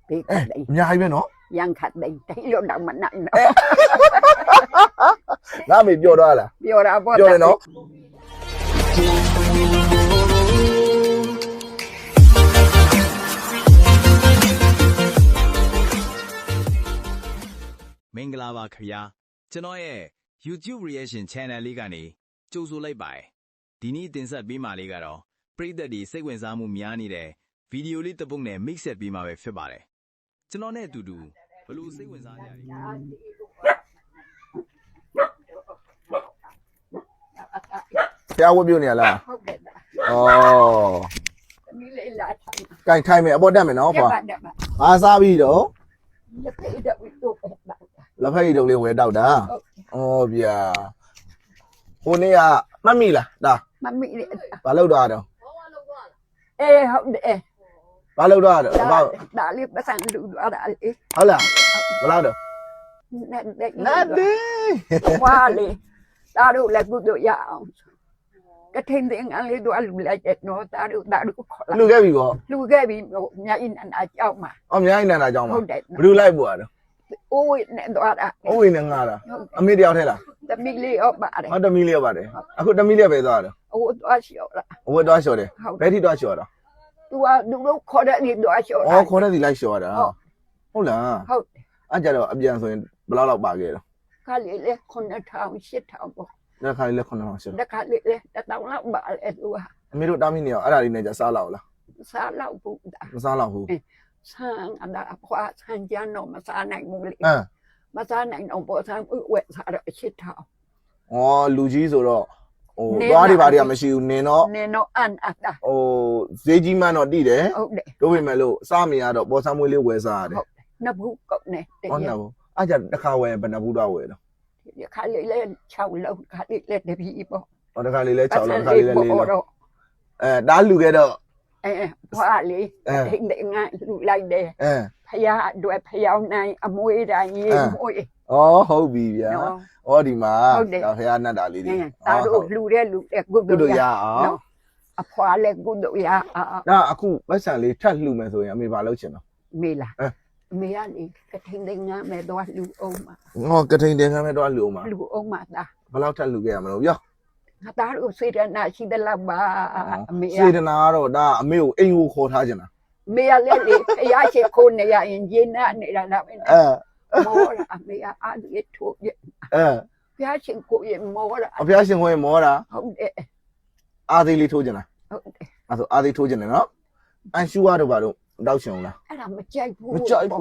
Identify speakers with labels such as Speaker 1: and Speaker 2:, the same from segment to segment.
Speaker 1: bị cái đấy
Speaker 2: အများကြီးပဲနော်
Speaker 1: dân khát đấy thấy lo động mà nặng nó
Speaker 2: ငါအမေပြောတော့လား
Speaker 1: vô ra vô
Speaker 2: ပြောတယ်နော်
Speaker 3: မင်္ဂလာပါခင်ဗျာကျွန်တော်ရဲ့ YouTube reaction channel လေးကနေကြိုဆိုလိုက်ပါတယ်ဒီနေ့တင်ဆက်ပေးမှာလေးကတော့ပရိသတ်တွေစိတ်ဝင်စားမှုများနေတဲ့ဗီဒီယိုလေးတစ်ပုဒ်နဲ့ mix ဆက်ပေးမှာပဲဖြစ်ပါတယ်ကျွန်တော်နဲ့အတူတူဘလို့စိတ်ဝင်စားကြတယ်
Speaker 2: ဖျားဝတ်ပြုတ်နေရလား
Speaker 1: không để
Speaker 2: ဩ
Speaker 1: đi lấy lại thằng
Speaker 2: ကင်ထိုင်မယ်အပေါ်တက်မယ်နော်
Speaker 1: cái
Speaker 2: ဖွာ
Speaker 1: bạn đẹp bạn
Speaker 2: ဘာစားပြီးတော့
Speaker 1: nó thấy được bị tụt bạn
Speaker 2: လက်ဖက်ရည်တုပ်လေးဝယ်တောက်တာဩဗျာဟိုနေ့ကမှတ်မိလားဒါ
Speaker 1: mà bị để
Speaker 2: ဘာလုပ်တော့တော့
Speaker 1: ê không để
Speaker 2: ဘာလုပ်တော့တော့ဘာ
Speaker 1: đã liếc đã sang đủ đã đi
Speaker 2: ဟုတ်လားဘယ်လောက်တော့
Speaker 1: nè để
Speaker 2: နတ်ဒီ
Speaker 1: qua đi ta đủ là cứ được dạo cái thêm tiếng ăn lấy đồ ăn lại chết nó ta đủ khó
Speaker 2: လူခဲ့ပြီပေါ့
Speaker 1: lưu ghê bị nhà in ăn ai cháu mà
Speaker 2: အများကြီးနန္တာကြောင်းပါ
Speaker 1: không để
Speaker 2: ဘယ်လိုလိုက်ပို့ရတော့
Speaker 1: ôi nè đồ ăn
Speaker 2: အိုးဝင်နေငါလားအမေတယောက်ထဲလား
Speaker 1: ta bị liều bà đấy
Speaker 2: ဟောတမီလေးပါတယ်အခုတမီလေးပဲသွားတော့
Speaker 1: ôi đồ xỉu là
Speaker 2: အဝတ်သွားလျှော်တယ်
Speaker 1: không
Speaker 2: ဘယ်ထိသွားလျှော်တော့
Speaker 1: tôi đúng lúc khó để đi đồ xỉu
Speaker 2: ဩခေါ်တဲ့စီလိုက်လျှော်ရတာဟုတ်လား
Speaker 1: không
Speaker 2: အဲ့ကြတော့အပြန်ဆိုရင်ဘယ်လောက်လောက်ပါခဲ့တော့
Speaker 1: cái lì lì con nó thao shit thao bộ
Speaker 2: တစ်ခါလေးလက်9000ရှစ်
Speaker 1: cái lì lì ta tao lắm bà lại tôi
Speaker 2: အမေတို့တာမီနေရောအဲ့ဒါလေးနဲ့ကြစားလောက်လား
Speaker 1: xa lâu phụ đã
Speaker 2: မစားလောက်ဘူး
Speaker 1: sang anh đã qua sang cha nó mà xa này một lì
Speaker 2: အမ်
Speaker 1: mà xa này nó bộ sang quẹt xa rồi shit thao
Speaker 2: ဩလူကြီးဆိုတော့ဟို
Speaker 1: နင်း
Speaker 2: သွားတွေ
Speaker 1: ပါ
Speaker 2: ဘာတွေကမရှိဘူးနင်တော့
Speaker 1: nên nó ăn à đã
Speaker 2: ဟိုဈေးကြီးမှန်းတော့တိတယ်
Speaker 1: không để
Speaker 2: တို့ပေမဲ့လို့စားမရတော့ပေါ်ဆမ်းမွေးလေးဝယ်စားရတယ်
Speaker 1: nó bú cậu này để
Speaker 2: ဟောနော်အဲ့ကြတစ်ခါဝယ်ဘယ်နှဘူးတော့ဝယ်တော့
Speaker 1: cái lì lên chào lâu cái lì lên để bị bộ
Speaker 2: ဟောတစ်ခါလေးလဲ6လောက်တစ်ခါလေးလဲ4လောက်
Speaker 1: đó
Speaker 2: အဲဒါလူခဲ့တော့
Speaker 1: ê qua lì hiện để ngay lại để
Speaker 2: အဲ
Speaker 1: พยาด้วยพยาในอมวยได้ยินมวย
Speaker 2: ဩဟုတ်ပြီဗျာ
Speaker 1: เนาะ
Speaker 2: ဩဒီမှာ
Speaker 1: ဟုတ်တယ်
Speaker 2: ဒါဖះနတ်တာလေးတွေ
Speaker 1: เนี่ยตาดูลูเรลูเรกุ
Speaker 2: ကု
Speaker 1: ดุ
Speaker 2: တို့ရ
Speaker 1: ยา
Speaker 2: အောင်
Speaker 1: เนาะอพวาเลกุดุยา
Speaker 2: ဒါအခုပတ်စံလေးထပ်လှူမယ်ဆိုရင်အမေဘာလုပ်ချင်တော့
Speaker 1: มีล่ะมีอันนี้กระทิงได้งาแม่ดอลูองมา
Speaker 2: ငေါကထိန်တင်ခမ်းမဲ့တော့လှူအောင်ပါ
Speaker 1: ลูองมาตา
Speaker 2: ဘယ်လောက်ထပ်လှူခဲ့ရမလို့ပြော
Speaker 1: ตาดูสิเดนาชิดละบามี
Speaker 2: စေတနာကတော့ဒါအမေကိုအိမ်ကိုခေါ်ထားချင်တာ
Speaker 1: มีอะไรเลยพยาเชคนเนี่ยยินยินนะนี่ละละ
Speaker 2: အဲ
Speaker 1: โมละมีอาดิทุย
Speaker 2: အဲ
Speaker 1: พยาเชคนยโมละ
Speaker 2: အဖះရှင်ခွင့်မောတာ
Speaker 1: ဟုတ်တယ်
Speaker 2: အာသေးလေးထိုးချင်တာ
Speaker 1: ဟုတ်တယ်
Speaker 2: အဲ့ဆိုအာသေးထိုးချင်တယ်နော်အန်ရှူရတော့ဘာလို့တောက်ချင်အောင်လား
Speaker 1: အဲ့ဒါမကြိုက်ဘူး
Speaker 2: မကြိုက်ဘူး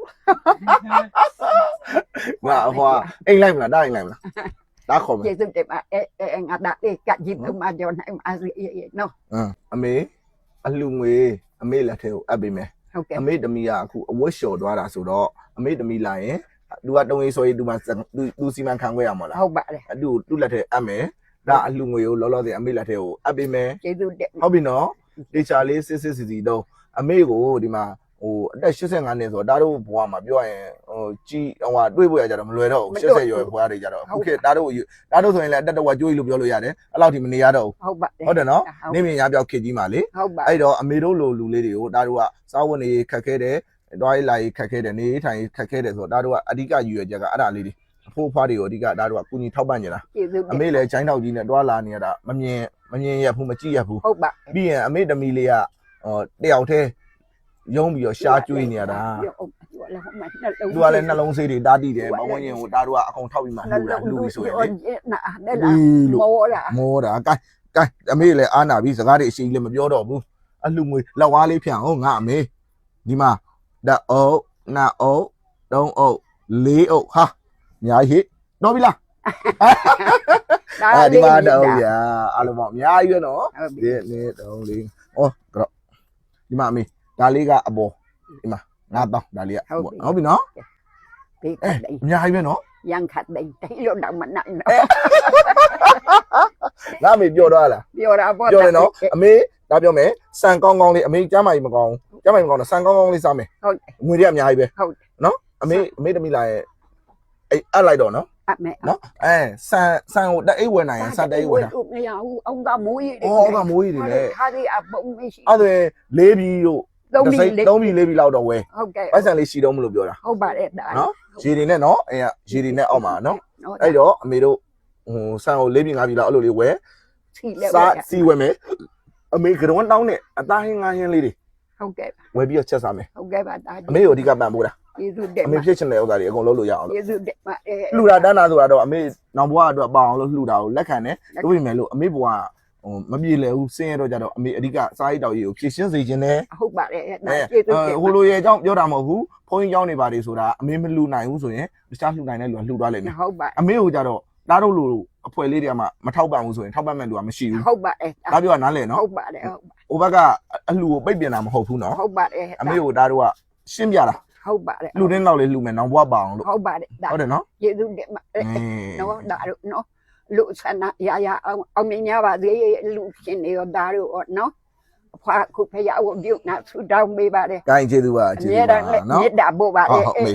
Speaker 2: ငါဟွာအိမ်လိုက်မလားဒါအိမ်လိုက်မလားဒါခေါ်မယ်
Speaker 1: ကျေစုတယ်မအဲငါဒါလေးကကြည့်သူမကြောနိုင်မအစီနော်
Speaker 2: အမေအလှငွေအမေလက်ထဲကိုအပ်ပေးမယ်
Speaker 1: ဟုတ်ကဲ့
Speaker 2: အမေတမီကအခုအဝတ်လျှော်သွားတာဆိုတော့အမေတမီလာရင်သူကတုံးရေးဆိုရင်သူမှသူစီမံခံခွဲရမှာလား
Speaker 1: ဟုတ်ပါတယ်
Speaker 2: သူ့လက်ထဲအပ်မယ်ဒါအလှငွေကိုလောလောဆယ်အမေလက်ထဲကိုအပ်ပေးမယ်
Speaker 1: ကျေစုတယ်
Speaker 2: ဟုတ်ပြီနော်တေချာလေးစစ်စီတော့အမေကိုဒီမှာဟိုအသက်85နှစ်ဆိုတော့ဒါတို့ဘွားမှာပြောရင်ဟိုကြီးဟိုဟာတွေးဖို့ရကြတော့မလွယ်တော့ဘူး80ရွယ်ဘွားတွေကြတော့အခုခေတ်ဒါတို့ဆိုရင်လည်းအတက်တော်ကျွေးလို့ပြောလို့ရတယ်အဲ့လောက်ထိမနေရတော့
Speaker 1: ဟုတ်ပါတယ်
Speaker 2: ဟုတ်တယ်နော်နေမြင်ရပြောက်ခေတ်ကြီးမှာလေ
Speaker 1: ဟုတ်ပါ
Speaker 2: အဲ့တော့အမေတို့လိုလူလေးတွေကိုဒါတို့ကစားဝတ်နေခက်ခဲတယ်တွားရေးလာရေးခက်ခဲတယ်နေထိုင်ခက်ခဲတယ်ဆိုတော့ဒါတို့ကအဓိကရည်ရွယ်ချက်ကအဲ့ဒါလေးတွေအဖိုးဖွားတွေကိုအဓိကဒါတို့ကကုညီထောက်ပံ့နေတာ
Speaker 1: ကျေစု
Speaker 2: အမေလည်းချိုင်းတောက်ကြီးနဲ့တွားလာနေရတာမမြင်ရဘူးမကြည့်ရဘူး
Speaker 1: ဟုတ်ပါ
Speaker 2: ပြီးရင်အမေတမီလေးကတယောက်တည်းရုံးပြီးတော့ရှားကျွေးနေရတာသူကလည်းနှလုံးဆေးတွေတားတိတယ်ဘဝညင်ကိုဒါတို့ကအကုန်ထောက်ပြီးမှလှူပြီးဆိုရင်လေ
Speaker 1: နာနဲ့လားမောတာ
Speaker 2: မောတာကဲအမေလည်းအားနာပြီးစကားတွေအရှိကြီးလည်းမပြောတော့ဘူးအလှငွေလက်ဝါးလေးဖြန့်အောင်ငါအမေဒီမှာဓာတ်အုပ်နာအုပ်တုံးအုပ်လေးအုပ်ဟာအများကြီးတော့ပြီလားဒီမှာတော့ဗျာအားလုံးပေါ့အများကြီးပဲနော်ဒီနေ့တုံးလေးဩကတော့ဒီမှာအမေဒါလေးကအပေါ်ဒီမှာ9000ဒါလေးကဟုတ်ပြီနော်
Speaker 1: ဒီကday
Speaker 2: အများကြီးပဲနော်
Speaker 1: ยังขัด day တိလို့တော့မနိုင်တော့
Speaker 2: ငါအမေပြောတော့လား
Speaker 1: ပြောတာပေါ့
Speaker 2: ပြောတယ်နော်အမေဒါပြောမယ်စံကောင်းကောင်းလေးအမေကျမ်းမာကြီးမကောင်းကျမ်းမာကြီးမကောင်းတော့စံကောင်းကောင်းလေးစားမယ်
Speaker 1: ဟုတ်
Speaker 2: ငွေတွေအများကြီးပဲ
Speaker 1: ဟုတ်
Speaker 2: နော်အမေတမီလာရဲ့အဲ့အပ်လိုက်တော့နော်
Speaker 1: အမေ
Speaker 2: နော်စံကိုတက်အိတ်ဝယ်နိုင်ရင်စံတက်အိတ်ဝယ်တာ
Speaker 1: မရဘူးအောင်ကမိုးကြီး
Speaker 2: အော်ကမိုးကြီးတွေလေ
Speaker 1: ခါဒီအပုံမရှိ
Speaker 2: အဲ့ဒါလေးပြီးတို့
Speaker 1: 3မိလေး
Speaker 2: 3မိ4မိလောက်တော့ဝယ်
Speaker 1: ဟုတ်ကဲ့
Speaker 2: ပိုက်ဆံလေးရှိတော့မလို့ပြောတာ
Speaker 1: ဟုတ်ပါတယ်ဒါ
Speaker 2: နော်ရေတွေနဲ့နော်အဲ့ရေတွေနဲ့အောက်မှာနော်အဲ့တော့အမေတို့ဟိုဆန်ကို4မိ5မိလောက်အဲ့လိုလေးဝယ်
Speaker 1: စီလဲ
Speaker 2: စားစီဝယ်မယ်အမေကတော့တောင်းနဲ့အသားဟင်းငါးဟင်းလေးတွေ
Speaker 1: ဟုတ်ကဲ့
Speaker 2: ဝယ်ပြီးတော့ချက်စားမယ်
Speaker 1: ဟုတ်ကဲ့ပါဒါ
Speaker 2: အမေကိုအဓိကပံ့ပိုးတာ
Speaker 1: ယေစုတက်
Speaker 2: အမေဖြစ်ချင်တဲ့ဥစ္စာတွေအကုန်လုပ်လို့ရအောင်လို့
Speaker 1: ယေစုတက်ပါအဲ
Speaker 2: လှူတာတန်းတာဆိုတာတော့အမေနောင်ဘွားအတွက်ပအောင်လို့လှူတာကိုလက်ခံတယ်တို့ပြင်မယ်လို့အမေဘွားဟိုမပြေလည်ဘူးစင်းရတော့ကြတော့အမေအဓိကစားရိတ်တောက်ရေးကိုဖြည့်ရှင်းစေခြင်းနဲ့
Speaker 1: ဟုတ်ပါတယ်ဒါယေစုတက်
Speaker 2: ဟိုလိုရဲ့အကြောင်းပြောတာမဟုတ်ဘူးဖုန်းကြီးကြောင်းနေပါတယ်ဆိုတာအမေမလှူနိုင်ဘူးဆိုရင်တခြားလှူနိုင်တဲ့လူကလှူသွားလိမ့်မယ်
Speaker 1: ဟုတ်ပါ
Speaker 2: အမေကိုကြတော့တားတို့လူအဖွဲ့လေးတွေကမှမထောက်ပံ့ဘူးဆိုရင်ထောက်ပံ့မဲ့လူကမရှိဘူး
Speaker 1: ဟုတ်ပါတယ်
Speaker 2: ဒါပြောတာနားလည်နော်
Speaker 1: ဟုတ်ပါတယ်
Speaker 2: ဟိုဘက်ကအလှူကိုပိတ်ပင်တာမဟုတ်ဘူးနော်
Speaker 1: ဟုတ်ပါတယ်
Speaker 2: အမေကိုတားတို့ကရှင်းပြတာ
Speaker 1: ဟုတ်ပါတယ်
Speaker 2: လှူတင်းတော့လေးလှူမယ်နောင်ဘွားပါအောင်လို့
Speaker 1: ဟုတ်ပါတယ်ဒါ
Speaker 2: ဟုတ်တယ်နော်
Speaker 1: ယေစုတက်ပါနော်ဒါတို့နော်လူဆန္ဒရအောင်မြင်ရပါသေးလူရှင်တွေရောဒါတို့နော်အဖွားခုဖရဝပြုတ်နာဆူတောင်းပေးပါတယ်
Speaker 2: ။ကိုင်းကျေးဇူးပါ
Speaker 1: အ
Speaker 2: ကျေး
Speaker 1: မြဲ
Speaker 2: ဇူး
Speaker 1: တ
Speaker 2: ပါ
Speaker 1: မ်း
Speaker 2: နော်
Speaker 1: မေတ္တာပို့ပါ
Speaker 2: ။
Speaker 1: လေ
Speaker 2: ဟုတ်ဟုတ်မေ